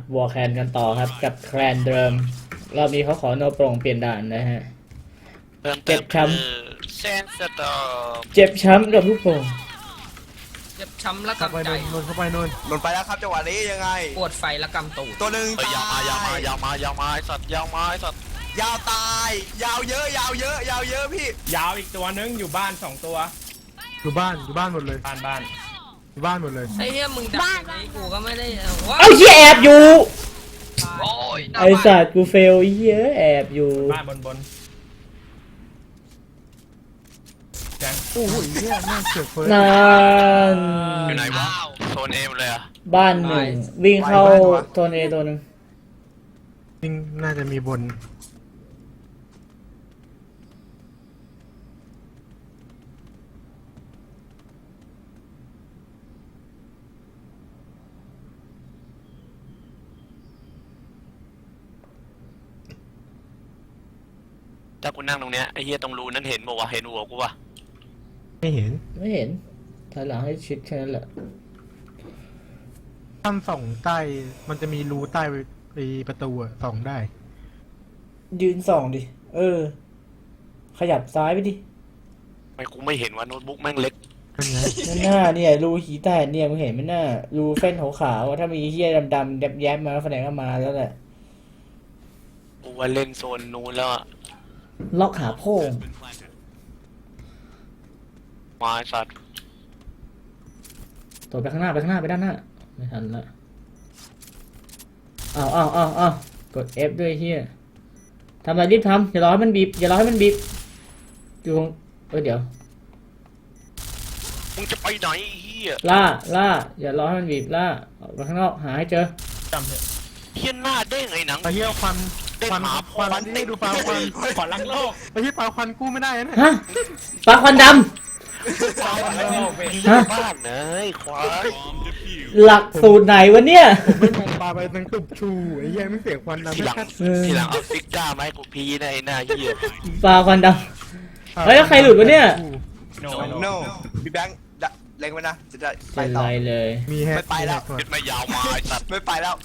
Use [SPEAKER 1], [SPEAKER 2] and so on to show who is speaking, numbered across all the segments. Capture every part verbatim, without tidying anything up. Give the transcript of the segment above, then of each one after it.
[SPEAKER 1] วอร์แคนกันต่อครับกับแคลนเดิมรอบนี้เขาขอโนโปร่งเปลี่ยนด่านนะฮะเจ็บช้ำ
[SPEAKER 2] เซนสตอม
[SPEAKER 1] เจ็บช้ำกับลูกโป่ง
[SPEAKER 3] เจ็บช้ำและ
[SPEAKER 4] เข้าไป
[SPEAKER 3] กำใจ
[SPEAKER 4] นนเข้าไปนน
[SPEAKER 5] หล่นไปแล้วครับจังหวะนี้ยังไง
[SPEAKER 3] ปวดไฟและกำตูด
[SPEAKER 5] ตัวหนึ่ง
[SPEAKER 2] เอ้ยยาวมายาวมายาวมายาวมาไอ้สัตว์ยาวมาไอ้สัตว์
[SPEAKER 5] ยาวตาย ยาวเยอะยาวเยอะยาวเยอะพี่
[SPEAKER 6] ยาวอีกตัวนึงอยู่บ้านสองตัว
[SPEAKER 4] อยู่บ้านอยู่บ้านหมดเลย
[SPEAKER 6] บ้านบ้าน
[SPEAKER 4] อยู่บ้านหมดเลย
[SPEAKER 3] ไอ้เหี้ยมึงดักไอ้กูก็ไม่ได้ว้า
[SPEAKER 1] เอ้าเหี้ยแอบอยู่
[SPEAKER 3] โอ้ย
[SPEAKER 1] ไอสัตว์กูเฟลเหี้ยแอบอยู่
[SPEAKER 6] บ้านบนบนแจง
[SPEAKER 4] โอ้โหเหี้ยแม่งเสือกเฟิร์ส
[SPEAKER 1] นาน
[SPEAKER 2] อยู่ไหนวะโซนเอมเลยอะ
[SPEAKER 1] บ้านหนึ่งวิ่งเข้าโซนเอตัวหนึ่ง
[SPEAKER 4] จริงน่าจะมีบน
[SPEAKER 2] ถ้ากูนั่งตรงเนี้ยไอ้เหี้ยตรงรูนั้นเห็นบอกว่าเห็นหัวกูปะ
[SPEAKER 4] ไม่เห็น
[SPEAKER 1] ไม่เห็นถอยหลังให้ชิดแค่นั้นแหละ
[SPEAKER 4] ท่านส่องใต้มันจะมีรูใต้ไอ้ประตูอะส่องได้
[SPEAKER 1] ยืนส่องดิเออ ขยับซ้ายไปดิ
[SPEAKER 2] ทำไม่กูไม่เห็นว่าโน้ตบุ๊กแม่งเล็ก
[SPEAKER 4] เป็นไง
[SPEAKER 1] นั่นหน้าเนี่ยรูหีแตกเนี่ยมึงเห็นไหมหน้ารูเฟ้นขาวๆถ้ามีเหี้ยดำๆแยบๆมาแสดงว่ามาแล้วแหละ
[SPEAKER 2] กูว่าเล่นโซนนู้นแล้วอะ
[SPEAKER 1] ล็อกขาโพ่ง
[SPEAKER 2] มาไอ้สัตว์
[SPEAKER 1] ตัวไปข้างหน้าไปข้างหน้าไปด้านหน้าไม่ทันละอ้าวอ้าวอ้าวอ้าวกด F ด้วยเฮียทำอะไรรีบทำอย่ารอให้มันบีบอย่ารอให้มันบีบอยู่ตรงเออเดี๋ยว
[SPEAKER 2] มึงจะไปไหนไอ้เหี้ย
[SPEAKER 1] ล่าล่าอย่ารอให้มันบีบล่าออกไปข้างนอกหาให้เจอ
[SPEAKER 6] จำเถอะ
[SPEAKER 2] เหี้ยหน้าเด้งไอ้หนัง
[SPEAKER 4] ไอ้เหี้ยควัน
[SPEAKER 2] เด้ง
[SPEAKER 4] ควัน
[SPEAKER 2] หมา
[SPEAKER 4] ควันนี่ดูปลาควัน
[SPEAKER 6] ขอรักโลก
[SPEAKER 4] ไอ้เหี้ยปลาควันกู้ไม่ได้นะ
[SPEAKER 1] ฮะปลาควันด
[SPEAKER 6] ขอรักโลกเว้ย
[SPEAKER 1] ฮะ
[SPEAKER 2] บ้านเนยควาย
[SPEAKER 1] ำหลักสูตรไหนวะเนี่ย
[SPEAKER 4] ผมไม่มองปลาไปทั้งตุบชูไอ้เหี้ยไม่เสียควันดำ
[SPEAKER 2] ทีหลัง
[SPEAKER 1] เออ
[SPEAKER 2] ทีหลังเอาซิก้ามาให้กูพีนะไอ้หน้าเหี้ย
[SPEAKER 1] ปลาควันดำ เฮ้ยแล้วใครหลุดวะเนี่ย
[SPEAKER 6] โน
[SPEAKER 5] โน่พี่แบงค์ดะเล็งไว้นะจะได้ไป
[SPEAKER 1] เป็น
[SPEAKER 5] ต่อ
[SPEAKER 1] ไรเลย
[SPEAKER 4] มีแฮก
[SPEAKER 5] ไม่ไปแล้ว
[SPEAKER 4] มีฮก
[SPEAKER 2] เห็นไม่ยาวมาไอ้สัตว์
[SPEAKER 5] ไม่ไปแล้ว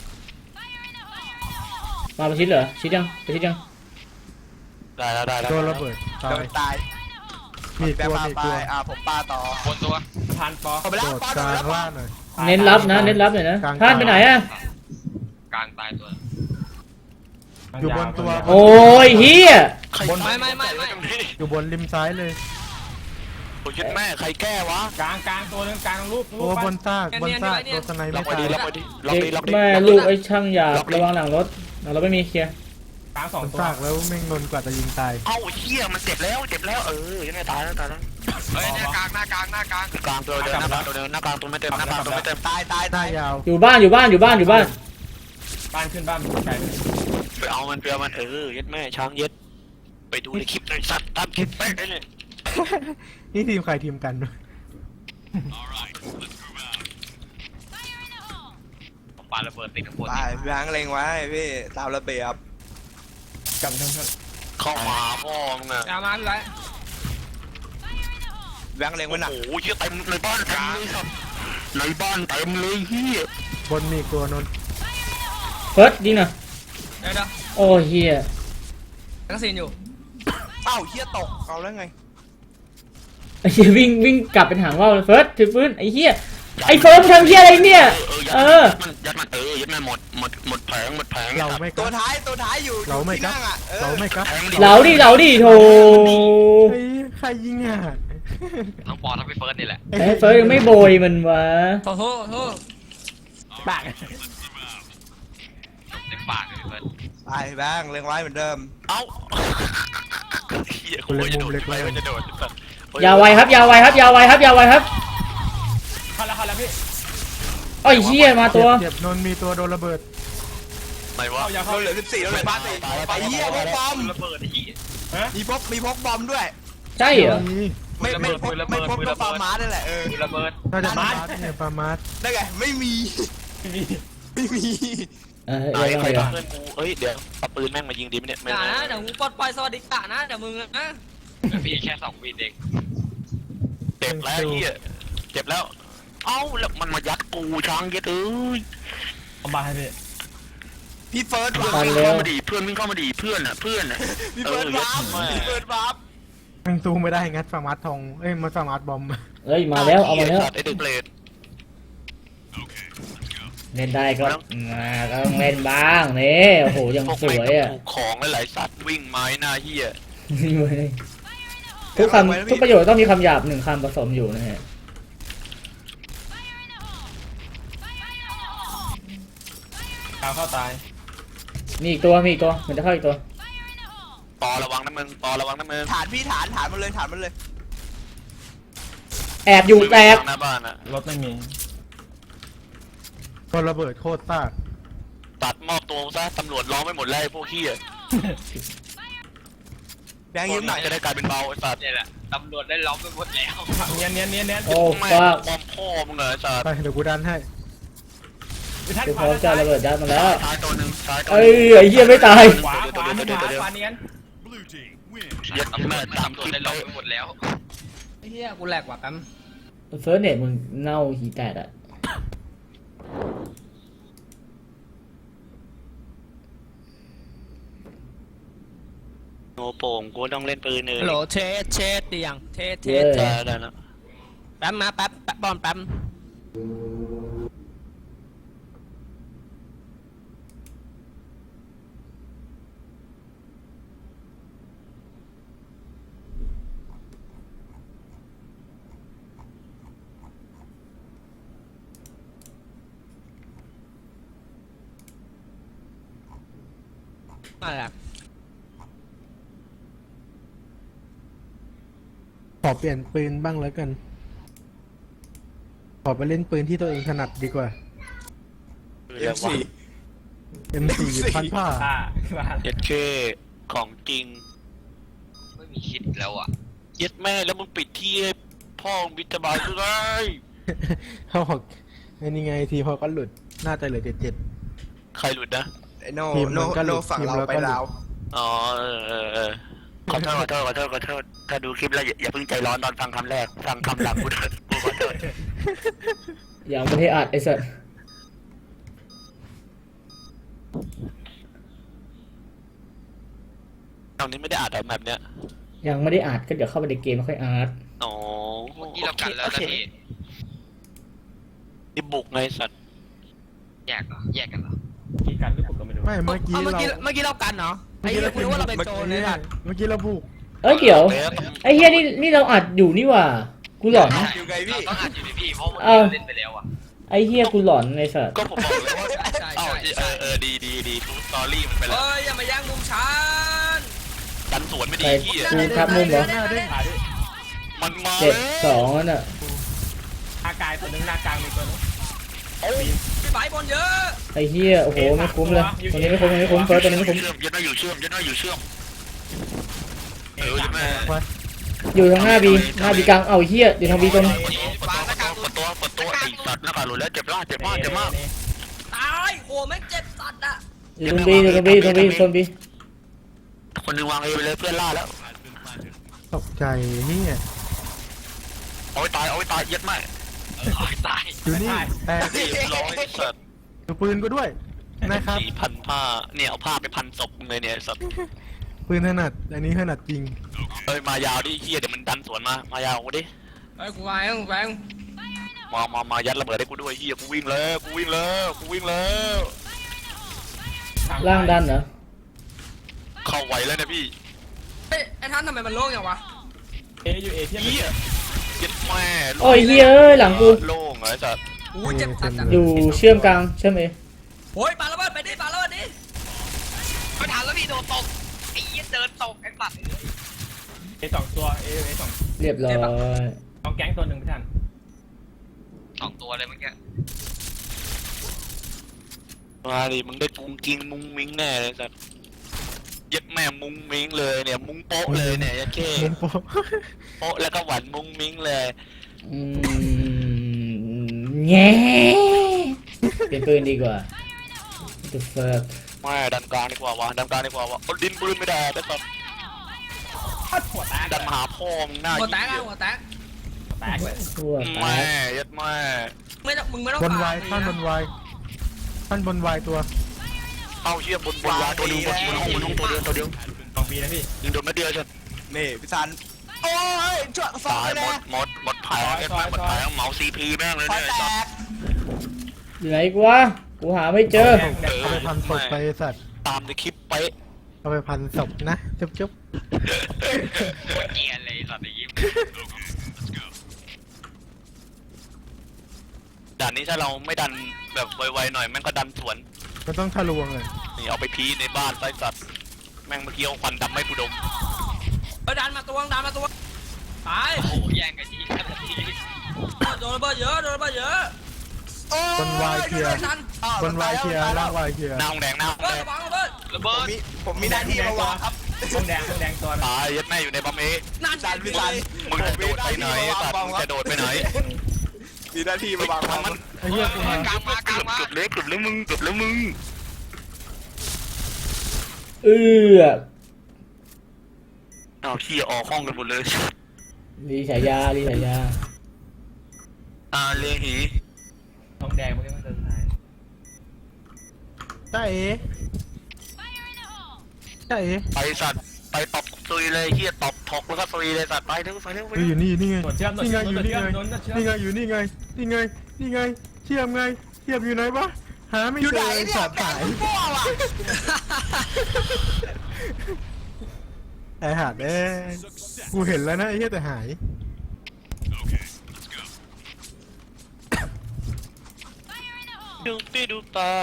[SPEAKER 1] มาประชิดเหรอชิดยังประชิดยัง
[SPEAKER 2] ได้แล้วได้แล้ว
[SPEAKER 4] โดนระเบิดตา
[SPEAKER 5] โด
[SPEAKER 4] ย
[SPEAKER 5] นตาย
[SPEAKER 4] มี
[SPEAKER 5] แบ
[SPEAKER 4] ตั
[SPEAKER 5] ง
[SPEAKER 4] ว
[SPEAKER 5] ค์มา
[SPEAKER 4] มี
[SPEAKER 5] ไป
[SPEAKER 4] ตัว
[SPEAKER 5] อ่าผมปาต่อบ
[SPEAKER 6] นตัวพันปอ
[SPEAKER 5] ผมไปแล้ว
[SPEAKER 4] โดด
[SPEAKER 5] ปาก โด
[SPEAKER 4] ลาน ง
[SPEAKER 5] แล้ว
[SPEAKER 4] ล่างหน่อย
[SPEAKER 1] เน้นรับนะเน้นรับหน่อยนะ
[SPEAKER 4] กลาง
[SPEAKER 1] พลาดไปไหนอะ
[SPEAKER 3] กลางตายตัว
[SPEAKER 4] อยู่บนตัว
[SPEAKER 1] โอ้ยเฮีย
[SPEAKER 2] ใคร
[SPEAKER 3] ไม่ไม่ไม่ไม่
[SPEAKER 2] ตรงนี้
[SPEAKER 4] อยู่บนริมซ้ายเลย
[SPEAKER 2] โอ้ยแม่ใครแก้วะ
[SPEAKER 6] กลางกลางตัวนึงกลางลูกลู
[SPEAKER 4] โอ้
[SPEAKER 6] ก
[SPEAKER 4] บนซากบนซากตัวสไน
[SPEAKER 2] ล็
[SPEAKER 4] ไม่
[SPEAKER 2] อกไว้
[SPEAKER 4] ตาย
[SPEAKER 2] ดีล็อกไว้ดีล็อก
[SPEAKER 1] เด็
[SPEAKER 2] ดี
[SPEAKER 1] ก
[SPEAKER 2] ล็อกดี
[SPEAKER 1] แม่ลูกไอ้ช่างหยาบระวังหลังรถหลังรถไม่มีเคลียร์
[SPEAKER 6] กลางสอง
[SPEAKER 4] บน
[SPEAKER 6] ตัว
[SPEAKER 4] ซากแล้วแม่งนนกว่าจะยิงตาย
[SPEAKER 2] เอ้าเหี้ยมันเจ็บแล้วเจ็บแล้วเออยังไงตายแล้วตายแล้ว
[SPEAKER 3] เฮ้ยเนี่ยกลางหน้ากลางหน้ากลาง
[SPEAKER 2] กลางตัวเดินหน้ากลางตัวเดินหน้ากลางตัวไม่เต็มหน้ากลางตัวไม่เต็ม
[SPEAKER 5] ตายตาย
[SPEAKER 4] หน้า
[SPEAKER 5] ตาย
[SPEAKER 4] ยาว
[SPEAKER 1] อยู่บ้านอยู่บ้านอยู่บ้านอยู่บ้าน
[SPEAKER 6] บ้านขึ้นบ้านไกล
[SPEAKER 2] ไปเอามันไปเอามันเออเย็ดแม่ช้างเย็ดไปดูในคลิปในสัตว์ตามคลิปไปได้เลย
[SPEAKER 4] นี่ทีมใครทีมกันด้วย
[SPEAKER 3] ปาระเบิดติดข้างบน
[SPEAKER 5] ตายพี่แบงค์เล็งไว้พี่ตามระเบียบ
[SPEAKER 6] จำเถอะ
[SPEAKER 2] เข้ามาพ่อมึงอะ
[SPEAKER 3] ยามาพี่ไร
[SPEAKER 5] แบงค์เล็งไว้หนัก
[SPEAKER 2] โอ้โหเหี้ยเต็มในบ้านเต็มเลยครับในบ้านเต็มเลยเฮีย
[SPEAKER 4] บนมีอีกตัวนน
[SPEAKER 1] เฟิร์สยิงหน่อย
[SPEAKER 3] เดี๋ยวเดี๋ยว
[SPEAKER 1] โอ้เฮีย
[SPEAKER 3] ทั้งซีนอยู่
[SPEAKER 5] เอ้าเฮียตกเอาแล้วไง
[SPEAKER 1] ไอ้เฮียวิ่งวิ่งกลับเป็นหางว่าวเลยเฟิร์สถือปืนไอ้เฮียไอ้เฟิร์สทำเฮียอะไรเนี่ย เออ
[SPEAKER 2] ยัดมันเออยัดมันหมดหมดหมดแผงหมดแผง
[SPEAKER 4] เราไม่ก
[SPEAKER 5] ตัว
[SPEAKER 4] ล้า
[SPEAKER 5] ท้ายตัวท้ายอยู่
[SPEAKER 4] เราไม่
[SPEAKER 5] ที่
[SPEAKER 4] กล้า
[SPEAKER 5] นั่งอ่ะเออ
[SPEAKER 4] เราไม่กล้า
[SPEAKER 2] แผง
[SPEAKER 1] เหลาดิเหลาดิโถ
[SPEAKER 4] เฮ้ยใครยิงอ่ะ
[SPEAKER 3] ทั้งปอทั้งพี่เฟิร์สนี่แหละ
[SPEAKER 1] ไอ้เฟิร์สยังไม่โบยมันวะ
[SPEAKER 3] โทษโทษโทษ
[SPEAKER 6] ปาก
[SPEAKER 3] เต็มปากเลยพี่เฟิร์ส
[SPEAKER 5] ตายแบงค์เล็งไว้เหมือนเดิม
[SPEAKER 2] เอ้าเฮียคนจะโดดไปมันจะโดด
[SPEAKER 1] ยาวไวครับยาวไวครับยาวไวครับยาวไวครับ
[SPEAKER 6] เข้าแล้วเข้าแล้วพี่
[SPEAKER 1] โอ้ยเฮียมาตัว
[SPEAKER 4] เจ็บนนมีตัวโดนระเบิด
[SPEAKER 2] ไหนวะ
[SPEAKER 6] เข้ายา
[SPEAKER 5] เรา
[SPEAKER 6] เข้า
[SPEAKER 5] เหลือสิบสี่เราเหลือบ้านสี่ไปเฮียพกบอม
[SPEAKER 3] ระเบิดไอ้เหี้ย
[SPEAKER 5] มีพกมีพกบอมด้วย
[SPEAKER 1] ใช่เหรอ
[SPEAKER 4] มี
[SPEAKER 5] ไม่ไม่พก
[SPEAKER 3] ระเบิ
[SPEAKER 5] ไม่
[SPEAKER 3] ด
[SPEAKER 5] พก
[SPEAKER 3] ระเบิด
[SPEAKER 5] ก็ฟาร์มาร์นั่นแหละเออ
[SPEAKER 3] ระเบิด
[SPEAKER 4] น่าจะปามาร์ทเนี่ยปามาร์ท
[SPEAKER 5] ได้ไงไม่มีไม่มี
[SPEAKER 1] เออ
[SPEAKER 2] ไหน
[SPEAKER 1] เดี๋ยว
[SPEAKER 2] ใคร
[SPEAKER 1] เดี๋ยว
[SPEAKER 2] เพื่อนกูเอ้ยเดี๋ยวเอาปืนแม่งมายิงดีไหมเนี่ย
[SPEAKER 3] อย่านะเดี๋ยวมึงปลดปล่อยสวัสดิกะนะเดี๋ยวมึงนะพี่แค่สองวีเด็ก
[SPEAKER 2] เจ็บแล้วเฮียเจ็บแล้วเอ้าแล้วมันมายัดกูช้างเย็ดเอ้ย
[SPEAKER 6] เอาบ้านให้พี่
[SPEAKER 5] พี่เฟิร์สวา
[SPEAKER 1] ตา
[SPEAKER 5] ร์
[SPEAKER 1] ย
[SPEAKER 5] ป
[SPEAKER 1] แล้ว
[SPEAKER 2] เข้ามาดีเพื่อนวิ่งเข้ามาดีเพื่อนอ่ะเพื่อนอ่ะ
[SPEAKER 5] พี่เฟิร์สวาร์ป
[SPEAKER 2] เออ
[SPEAKER 5] พี่เฟิร์สวาร์ป
[SPEAKER 4] แม่งสู้ไม่ได้งัดฟาร์มาร์ททองเอ้ยมันฟาร์มาร์ทบอม
[SPEAKER 1] เอ้ยมาแล้วเอามาแล้ว
[SPEAKER 2] ไอเด็กเปรต
[SPEAKER 1] เล่นได้ก็มาก็ต้องเล่นบ้างนี่โอ้โหยัง
[SPEAKER 2] พวก
[SPEAKER 1] ส
[SPEAKER 2] แม่ง
[SPEAKER 1] วยอ่ะ
[SPEAKER 2] ถูกของหลายๆสัตว์วิ่งไม้หน้าเหี้ย
[SPEAKER 1] ทุกคำทุกประโยชน์ต้องมีคำหยาบหนึ่งคำผสมอยู่นะฮะ
[SPEAKER 6] ดาวเข้าตาย
[SPEAKER 1] มีอีกตัวมีอีกตัวมันจะเข้าอีกตัว
[SPEAKER 2] ปอระวังนะมึงปอระวังนะมึง
[SPEAKER 5] ฐานพี่ฐานฐานมันเลยฐานมันเลย
[SPEAKER 1] แอบอยู่แตก
[SPEAKER 2] หน้าบ้านอ่ะ
[SPEAKER 6] รถไม่มี
[SPEAKER 4] ก็ระเบิดโคตรซ่า
[SPEAKER 2] ตัดมอบตัวซะตำรวจล้อมไม่หมดแล้วไอ้พวกเหี้ย
[SPEAKER 5] แบงค์ยืมหน่อย
[SPEAKER 2] จะได้กลายเป็นเบาไอ้สัตว์
[SPEAKER 3] เนี่ยแหละตำรวจได้ล้อมไปหมดแล้ว
[SPEAKER 6] เนียนเนียนเนียนเนียน
[SPEAKER 1] โอ้
[SPEAKER 2] แม่
[SPEAKER 1] ฟ้า
[SPEAKER 2] ปอมพ่อมึงเหรอไอ้สัตว์
[SPEAKER 4] ไปเดี๋ยวกูดันให้
[SPEAKER 6] พี่ทัด
[SPEAKER 1] กู
[SPEAKER 6] ข
[SPEAKER 1] พร้
[SPEAKER 6] วา
[SPEAKER 1] อมจะระเบิดยัดมาแล้ว
[SPEAKER 2] ซ้ายตัวหนึ่งซ้ายตัว
[SPEAKER 1] เอ้ยไอ้เหี้ยไม่ตาย
[SPEAKER 6] ขวาขวาขวาขวาเนียน
[SPEAKER 2] เย็ด
[SPEAKER 3] ตำรว
[SPEAKER 2] แม่
[SPEAKER 3] จ
[SPEAKER 2] ตาม
[SPEAKER 3] ตำรว
[SPEAKER 2] ค
[SPEAKER 3] จ
[SPEAKER 2] ลิป
[SPEAKER 3] ได้
[SPEAKER 2] ไป
[SPEAKER 3] ล้อมไปหมดแล้วไอ้เหี้ยกูแหลกว่ะแป๊ม
[SPEAKER 1] เฟิร์สเน็ตมึงเน่าหีแตกอ่ะ
[SPEAKER 2] โง่โป่งกูต้องเล่นปืนเลย
[SPEAKER 3] ฮัลโหลเทสเทสดียังเทสเท
[SPEAKER 1] เย้
[SPEAKER 3] ส
[SPEAKER 2] ได้ได้แล้ว
[SPEAKER 3] แป๊บมาแป๊บแป๊บบอลแป๊บ อะไรอะ
[SPEAKER 4] ขอเปลี่ยนปืนบ้างแล้วกัน ขอไปเล่นปืนที่ตัวเองถนัดดีกว่า
[SPEAKER 2] เรียกว่า
[SPEAKER 4] เอ็ม สี่ พันผ้า
[SPEAKER 6] อ่ามา
[SPEAKER 2] เย็ดเคของจริง
[SPEAKER 3] ไม่มีคิดแล้วอ่ะ
[SPEAKER 2] เย็ดแม่แล้วมึงปิดที่ให้พ่อมึงบิดาบายคือไง
[SPEAKER 4] เขาบอกไอ้นี่ไงทีพอก็หลุด น่าจะเหลือเจ็ดเจ็ด
[SPEAKER 2] ใครหลุดนะ
[SPEAKER 5] ไอ้โน
[SPEAKER 4] ทีมมั
[SPEAKER 5] โน
[SPEAKER 4] นก็ห
[SPEAKER 5] โน
[SPEAKER 4] ลุด
[SPEAKER 5] ฝั่ง
[SPEAKER 4] ทีม
[SPEAKER 5] เรา
[SPEAKER 4] เรา
[SPEAKER 5] ไป
[SPEAKER 4] ก็หลุด
[SPEAKER 5] ลาว
[SPEAKER 2] อ๋อเออเออเออขอโทษขอโทษขอโทษขอโทษถ้าดูคลิปแล้วอย่าอย่าเพิ่งใจร้อนตอนฟังคำแรกฟังคำหลังกูเถอะกูขอโทษ
[SPEAKER 1] อย่างประเทศอัดไอ้สัส
[SPEAKER 2] ตอนนี้ไม่ได้อ่านแบบเนี้ย
[SPEAKER 1] ยังไม่ได้อัดก็เดี๋ยวเข้าไปในเกมแล้วค่อยอัด
[SPEAKER 2] อ๋อ
[SPEAKER 3] ที่เรากันแล้ว
[SPEAKER 2] โอ
[SPEAKER 3] นะ
[SPEAKER 2] เค
[SPEAKER 3] พี่
[SPEAKER 2] นี่บุกไงสัตว์
[SPEAKER 3] แยกเหรอแยกกันเหรอ
[SPEAKER 6] กี่กันหรือผมก็ไม่รู้
[SPEAKER 4] ไม่เมื่อกี้
[SPEAKER 3] เมื่อ
[SPEAKER 4] เรา
[SPEAKER 3] กี้เมื่อกี้เรากันเหรอไอ้เหี้ยกูนึกว่าเราเป็นโจรเลยอ่ะ
[SPEAKER 4] เมื่อกี้เราบุก
[SPEAKER 1] เอ้ยเดี๋ยวไอ้เหี้ยนี่นี่เราอัดอยู่นี่หว่ากูหลอน
[SPEAKER 5] อยู่ไงพี่
[SPEAKER 3] ต้องอ่านอยู่ในพี่เพราะมัน
[SPEAKER 1] เอ้า
[SPEAKER 3] เล่นไปแล้วอ่ะ
[SPEAKER 1] ไอ้เหี้ยกูหลอนไอ้สัส
[SPEAKER 2] ก็ผมบอกเลยว่า
[SPEAKER 3] ใช่
[SPEAKER 2] เอ้า
[SPEAKER 3] ใช่
[SPEAKER 2] เออเออดีดีดีทูสตอรี่มันไปแล้ว
[SPEAKER 3] เฮ้ยอย่ามาแย่งมุมฉัน
[SPEAKER 2] ดันสวนไม่ดี
[SPEAKER 1] ใคร
[SPEAKER 2] ที่
[SPEAKER 1] กูทับมุมเหรอ
[SPEAKER 4] หน้าเด้ง
[SPEAKER 6] ขาดิ
[SPEAKER 2] มันมา
[SPEAKER 1] เจ็ด
[SPEAKER 2] แล้ว
[SPEAKER 1] สองนั่นน่ะ
[SPEAKER 6] อากายตัวนึงหน้ากลางมีตัวนึง
[SPEAKER 3] พี่ไบบอลเยอะ
[SPEAKER 1] ไอ้เหี้ยโอ้โหไม่คุ้มเลยตัวนี้ไม่คุ้มตัวนี้ไม่คุ้มเฟิร์สตัวนี้ไม่คุ้ม
[SPEAKER 2] เชื่อมยัดหน้าอยู่เชื่อมยัดหน้าอยู่เชื่อมเออยัดแม่
[SPEAKER 1] อยู่ทางหน้าบีหน้าบีกลางเอาไอ้เหี้ยอยู่ทางบีตรง
[SPEAKER 2] เปิดตัวเปิดตัวเปิดตัวไอ้สัตว์หน้ากากหลุดแล้วเจ็บมากเจ็บมากเจ็บมาก
[SPEAKER 3] ตายโหแม่งเจ็บสัตว์อ่ะ
[SPEAKER 1] อยู่ตรงบีอยู่ตรงบีอยู่ตรงบีอยู่ตรงบี
[SPEAKER 2] คนหนึ่งวางเอไปเลยเพื่อนล่าแล้ว
[SPEAKER 4] ตกใจเนี่ย
[SPEAKER 2] เอาไว้ตายเอาไว้ตายยัดแม่
[SPEAKER 3] โอ้ยตาย
[SPEAKER 4] อยู่นี่แต่
[SPEAKER 2] เรียบร้อยสัตว์
[SPEAKER 4] ดูปืนกูด้วยนะครับ
[SPEAKER 2] สี่พันผ้าเนี่ยเอาผ้าไปพันศพมึงเลยเนี่ยสัตว์
[SPEAKER 4] ปืนถนัดอันนี้ถนัดจริง
[SPEAKER 2] เอ้ยมายาวดิเฮียเดี๋ยวมันดันสวนมามายาวกูดิ
[SPEAKER 3] ไอ้กูไปกูไป
[SPEAKER 2] มามามายัดระเบิดให้กูด้วยเฮียกูวิ่งแล้วกูวิ่งแล้วกูวิ่งแล้ว
[SPEAKER 1] ล่างดันเหรอ
[SPEAKER 2] เข้าไหวแล้วเนี่ยพี่
[SPEAKER 3] เฮ้ยไอ้ท่านทำไมมันโล่งอย่างวะ
[SPEAKER 6] เออยู่เอเทียบ
[SPEAKER 2] เฮียยัดแม่
[SPEAKER 1] โอ้ยเหี้ยเอ้ยหลังกู
[SPEAKER 2] โล่งเหรอไอ้สัตว์
[SPEAKER 3] โอ้ยเจ็บสัตว์อ่ะ
[SPEAKER 1] อยู่เชื่อมกลางเชื่อมเอ
[SPEAKER 3] โอ้ยปาระเบิดไปดิปาระเบิดดิไม่ทันแล้วพี่โดนตกไอ้เหี้ยเดินตกไอ้สัตว์
[SPEAKER 6] เอสองตัวเอเอสอง
[SPEAKER 1] เรียบร้อย
[SPEAKER 6] สองแก๊งตัวหนึ่งพี่ทัน
[SPEAKER 3] สองตัวเลยเมื่อกี้
[SPEAKER 2] มาดิมึงได้กุ้งกิ้งมุ้งมิ้งแน่เลยสัตว์ยัดแม่มุ้งมิ้งเลยเนี่ยมุ้งโป๊ะเลยเนี่ยยัดเค้
[SPEAKER 4] มุมโปะ
[SPEAKER 2] โป๊ะแล้วก็หวานมุ้งมิ้งเลย
[SPEAKER 1] อืมแง่เป็นปืนดีกว่า The fuck
[SPEAKER 2] ไม่ดันกลางดีกว่าวะดันกลางดีกว่าวะเอาดินปืนไม่ได้แต่สัตว์
[SPEAKER 6] พัดหัวแตก
[SPEAKER 2] ดันมาหาพ่อมึงหน้า
[SPEAKER 3] หัวแตก
[SPEAKER 2] เหี้
[SPEAKER 3] อ่ะ
[SPEAKER 2] ย
[SPEAKER 3] หัวแตก
[SPEAKER 6] แตกเลย
[SPEAKER 1] ทั่วแต
[SPEAKER 2] แม่
[SPEAKER 1] ก
[SPEAKER 2] ยัดแม่
[SPEAKER 3] ไม่ต้องมึงไม่ต้อง
[SPEAKER 4] บน
[SPEAKER 3] ปา
[SPEAKER 4] วายท่านบนวายท่านบนวายตัว
[SPEAKER 2] เอ้าเชี่ยบนบนวาตัวเดียวบนบนห้องบนห้องตัวเดียวตัวเดียว
[SPEAKER 6] สองปีนะพี่
[SPEAKER 2] ยิงโดนไม่เดียวฉัน
[SPEAKER 5] นี่พี่ซันโอ้ยช่วยซอ
[SPEAKER 2] ตาย
[SPEAKER 5] ย
[SPEAKER 2] หม
[SPEAKER 5] นะ
[SPEAKER 2] ดหมดหมดแผลแม่งหมดแผลเมาซีพีแม่งเลย
[SPEAKER 5] ซอย
[SPEAKER 2] เนี่ย
[SPEAKER 5] แต
[SPEAKER 2] ไอ้สัตว์
[SPEAKER 5] ก
[SPEAKER 1] อยู่ไหนกูวะกูหาไม่เจอ
[SPEAKER 4] เอาไปพันศพไปไอ้สัตว์
[SPEAKER 2] ตามในคลิปเป๊ะ
[SPEAKER 4] เอาไปพันศพนะจุ๊บจุ๊บ
[SPEAKER 3] เกลียดเลยสัตว์ไอ้ยิ้ม
[SPEAKER 2] ด่านนี้ถ้าเราไม่ดันแบบไวๆหน่อยแม่งก็ดันสวน
[SPEAKER 4] มันต้องทะลวงเลย
[SPEAKER 2] นี่เอาไปพีในบ้านไส้สัตว์แม่งเมื่อกี้เอาควันดำไม่ผู้ดม
[SPEAKER 3] เออดันมาตัวดันมาตัวตายโอ้แย่งกันทีกันทีโดนระเบิดเยอะโดนระเบิดเยอะ
[SPEAKER 5] โอ้
[SPEAKER 4] บนวายเคลียร์
[SPEAKER 3] ทัน
[SPEAKER 5] อ้าว
[SPEAKER 4] บนวายเคลียร์ล่างวายเคลียร์
[SPEAKER 2] หน้าห้องแดงหน้าห้อง
[SPEAKER 3] เบิ
[SPEAKER 2] แด
[SPEAKER 3] ด
[SPEAKER 2] ง
[SPEAKER 3] ระวังระเบิดระ
[SPEAKER 5] ผ
[SPEAKER 3] เบิ
[SPEAKER 5] ม
[SPEAKER 3] ด
[SPEAKER 5] มีผมมีหน้าที่มาวางครับ
[SPEAKER 6] ห้องแดงห้องแดงตัว
[SPEAKER 2] ตายยัดแม่อยู่ในบัมเอ
[SPEAKER 3] นั่น
[SPEAKER 5] ซันพี่ซัน
[SPEAKER 2] มึงจะโดดไปไหนสัตว์มึงจะโดดไปไหน
[SPEAKER 5] มีหน้าที่มาวาง
[SPEAKER 2] ทำมัน
[SPEAKER 4] ไอ้เหี้ยกูมาก
[SPEAKER 3] ลางมากลางมา
[SPEAKER 2] เกือบเล็กเกือบแล้วมึงเกือบแล้วมึง
[SPEAKER 1] เอือ
[SPEAKER 2] อ้าวขี้ออกห้องกันหมดเลย
[SPEAKER 1] รีฉายารีฉายา
[SPEAKER 2] อ่าเลหี
[SPEAKER 6] ห้องแดงเมื่อกี้มันเดินทาย
[SPEAKER 4] จ้าเอ๋จ้าเอ๋
[SPEAKER 2] ไปสัตว์ไปตบซุยเลยเฮียตบถกแล้วก็ซุยเลยสัตว์ไปเร็วไปเร็วไป
[SPEAKER 4] เฮ้ย
[SPEAKER 2] เร็ว
[SPEAKER 4] อยู่นี่นี่ไง
[SPEAKER 6] หนวดเชื่อมหนวด
[SPEAKER 4] นี่ไง
[SPEAKER 6] เชื่อม
[SPEAKER 4] อยู่
[SPEAKER 6] หนวด
[SPEAKER 4] นี่
[SPEAKER 6] เชื่อ
[SPEAKER 4] ไง
[SPEAKER 6] มหนวดเชื่อม
[SPEAKER 4] นี่ไงอยู่นี่ไงนี่ไงนี่ไงเชื่อมไงเชื่อมอยู่ไหนวะหาไม่
[SPEAKER 5] อยู่
[SPEAKER 4] เจ
[SPEAKER 5] ไหน
[SPEAKER 4] อไอ้
[SPEAKER 5] เนี่ย
[SPEAKER 4] สัตว์
[SPEAKER 5] แด
[SPEAKER 4] หาง ย
[SPEAKER 5] มั่วว่ะ
[SPEAKER 4] ไอ้หาดเอ้ยกูเห็นแล้วนะไอ้เหี้ยแต่หาย
[SPEAKER 2] ดูปีดูปลา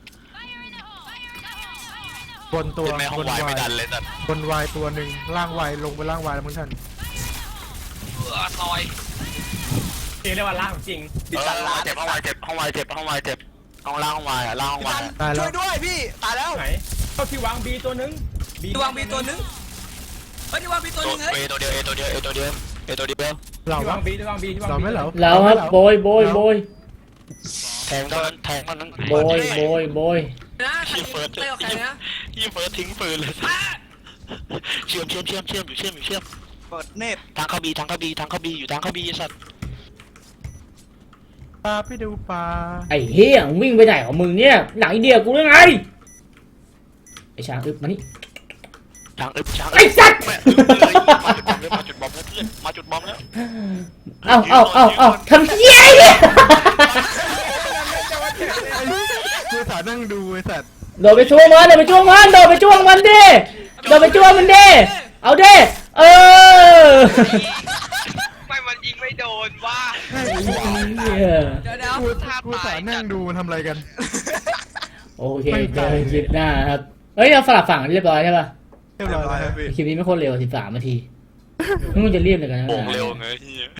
[SPEAKER 4] บนตัว
[SPEAKER 2] เห็นไหมห้อบ ง
[SPEAKER 4] น
[SPEAKER 2] วายว
[SPEAKER 4] า
[SPEAKER 2] ไม่
[SPEAKER 4] ย
[SPEAKER 2] ดันเลยสัตว์
[SPEAKER 4] บนวายตัวหนึ่งล่างวายลงไปล่างวายแล้วมึงท่าน
[SPEAKER 3] เออซอย
[SPEAKER 6] จริงเรียกว่าล่างจริง
[SPEAKER 2] เออห้องวายเจ็บห้องวายเจ็บห้องวายเจ็บห้องวายเจ็บห้องล่างห้องวายอ่ะล่างห้อง
[SPEAKER 5] พี่
[SPEAKER 2] วา
[SPEAKER 5] ซั
[SPEAKER 2] ย
[SPEAKER 5] น
[SPEAKER 2] อ่ะ
[SPEAKER 4] ตายแล้ว
[SPEAKER 5] ช่วยด้วยพี่ตายแล้ว
[SPEAKER 6] ไหนเข้าที่วางบีตัวนึง
[SPEAKER 3] ที่วางบีตัวนึงเฮ้ยที่วางบีตัว
[SPEAKER 2] ตั
[SPEAKER 3] นึ
[SPEAKER 2] ว
[SPEAKER 3] งเฮ้ย
[SPEAKER 2] เอตัวเดียวเอตัวเดียวเอตัวเดียวเอตัวเดียว
[SPEAKER 4] เรา
[SPEAKER 6] ที่
[SPEAKER 4] วะ
[SPEAKER 6] วางบีที่วางบีที่วาง
[SPEAKER 4] เราไม่เหรอ
[SPEAKER 1] เราครับโบยโบยโบย
[SPEAKER 2] แทงเท่านั้นแทงเท่านั้น
[SPEAKER 1] โบยโบยโบย
[SPEAKER 3] นะใคร
[SPEAKER 2] ยี่เฟิร์ส
[SPEAKER 3] เตะออกใครนะ
[SPEAKER 2] ยี่เฟิร์สทิ้งปืนเลย
[SPEAKER 3] อ่ะ
[SPEAKER 2] เชื่อมเชื่อมเชื่อมเชื่อมอยู่เชื่อมอยู่เชื่อม
[SPEAKER 5] เปิดเน็ต
[SPEAKER 2] ทางเข้าบีทางเข้าบีทางเข้าบีอยู่ทางเข้าบีไอ้สัตว์
[SPEAKER 4] ปลาไปดูปลา
[SPEAKER 1] ไอ้เฮียมึงวิ่งไปไหนของมึงเนี่ยหนังอินเดียกูหรือไงไอ้ช้างอึบมานี่
[SPEAKER 2] ทางอึบทาง
[SPEAKER 1] ไอ้สัตว์
[SPEAKER 2] แม่อึบเลยมาจุดบอมแล้วเพื่อนมาจุดบอมแล้ว
[SPEAKER 1] เอาเอาเอาเอาทำเฮียไอ้เนี่ย
[SPEAKER 4] กูสานั่งดูไอ้สัตว์
[SPEAKER 1] โดดไปช่วงมันโดดไปช่วงมันโดดไปช่วงมันดิโดดไปช่วงมันดิเอาดิเออ
[SPEAKER 3] ไม่มันยิงไม่โดนว่ะ
[SPEAKER 1] เหี้ย
[SPEAKER 3] เดี๋ยวเดี๋ยว
[SPEAKER 4] กู
[SPEAKER 3] ท่า
[SPEAKER 4] กู
[SPEAKER 3] ปลา
[SPEAKER 4] สายนั่งดูมันทำอะไรกัน
[SPEAKER 1] โอเคเจอกันคลิปหน้าครับเฮ้ยเราสลับฝั่งเรียบร้อยใช่ป่ะ
[SPEAKER 4] เรียบร้อยแล้ว
[SPEAKER 5] พี่
[SPEAKER 1] คลิปนี้ไม่โคตรเร็วสิบสามนาทีมึงจะรีบเลยกันนะ
[SPEAKER 2] โป่งเร็วไงเฮีย